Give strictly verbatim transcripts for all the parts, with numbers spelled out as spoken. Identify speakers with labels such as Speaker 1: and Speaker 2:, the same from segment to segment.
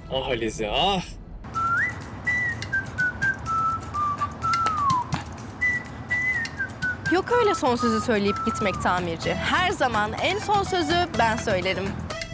Speaker 1: Ah Alize ah.
Speaker 2: Yok öyle son sözü söyleyip gitmek tamirci. Her zaman en son sözü ben söylerim.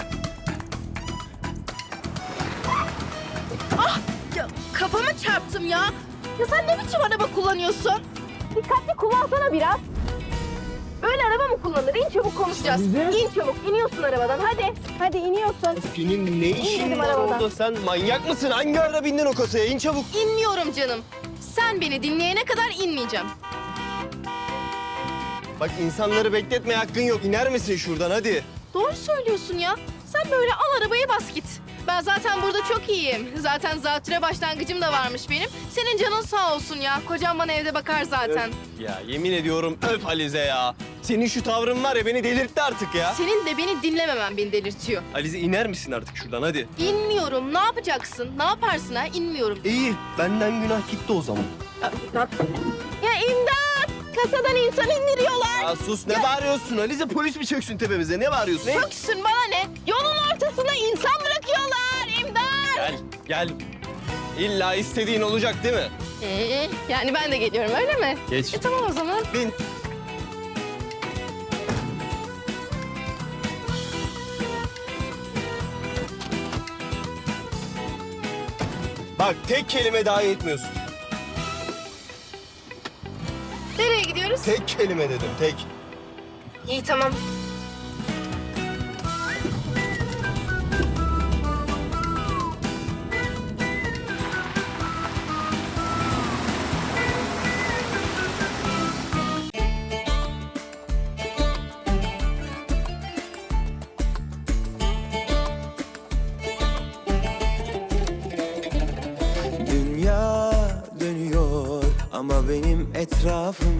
Speaker 2: Ah! Ya, kafama çarptım ya. Ya sen ne biçim araba kullanıyorsun? Dikkatli kullansana biraz. Böyle araba mı kullanır? İn çabuk konuşacağız. İn çabuk. İniyorsun arabadan. Hadi. Hadi iniyorsun.
Speaker 3: Senin ne işin
Speaker 2: dedim
Speaker 3: var
Speaker 2: arabadan.
Speaker 3: orada? Sen manyak mısın? Hangi ara bindin o kasaya? İn çabuk.
Speaker 2: İnmiyorum canım. Sen beni dinleyene kadar inmeyeceğim.
Speaker 3: Bak insanları bekletmeye hakkın yok. İner misin şuradan hadi?
Speaker 2: Doğru söylüyorsun ya. Sen böyle al arabayı bas git. Ben zaten burada çok iyiyim. Zaten zatüre başlangıcım da varmış benim. Senin canın sağ olsun ya. Kocam bana evde bakar zaten.
Speaker 3: Öf ya yemin ediyorum öf Alize ya. Senin şu tavrın var ya beni delirtti artık ya.
Speaker 2: Senin de beni dinlememen beni delirtiyor.
Speaker 3: Alize iner misin artık şuradan hadi?
Speaker 2: İnmiyorum. Ne yapacaksın? Ne yaparsın ha? İnmiyorum.
Speaker 3: İyi benden günah gitti o zaman.
Speaker 2: Ya imdat! Kasadan insan indiriyorlar.
Speaker 3: Ya sus ne bağırıyorsun Alize? Polis mi çöksün tepemize? Ne bağırıyorsun? Ne?
Speaker 2: Çöksün bana ne? Yolun ortasına insan bırakıyorlar. İmdat!
Speaker 3: Gel gel. İlla istediğin olacak değil mi?
Speaker 2: Ee, yani ben de geliyorum öyle mi?
Speaker 3: Geç.
Speaker 2: E tamam o zaman.
Speaker 3: Bin. Bak tek kelime dahi etmiyorsun.
Speaker 2: Nereye gidiyoruz?
Speaker 3: Tek kelime dedim tek.
Speaker 2: İyi tamam.
Speaker 4: Dünya dönüyor ama benim etrafım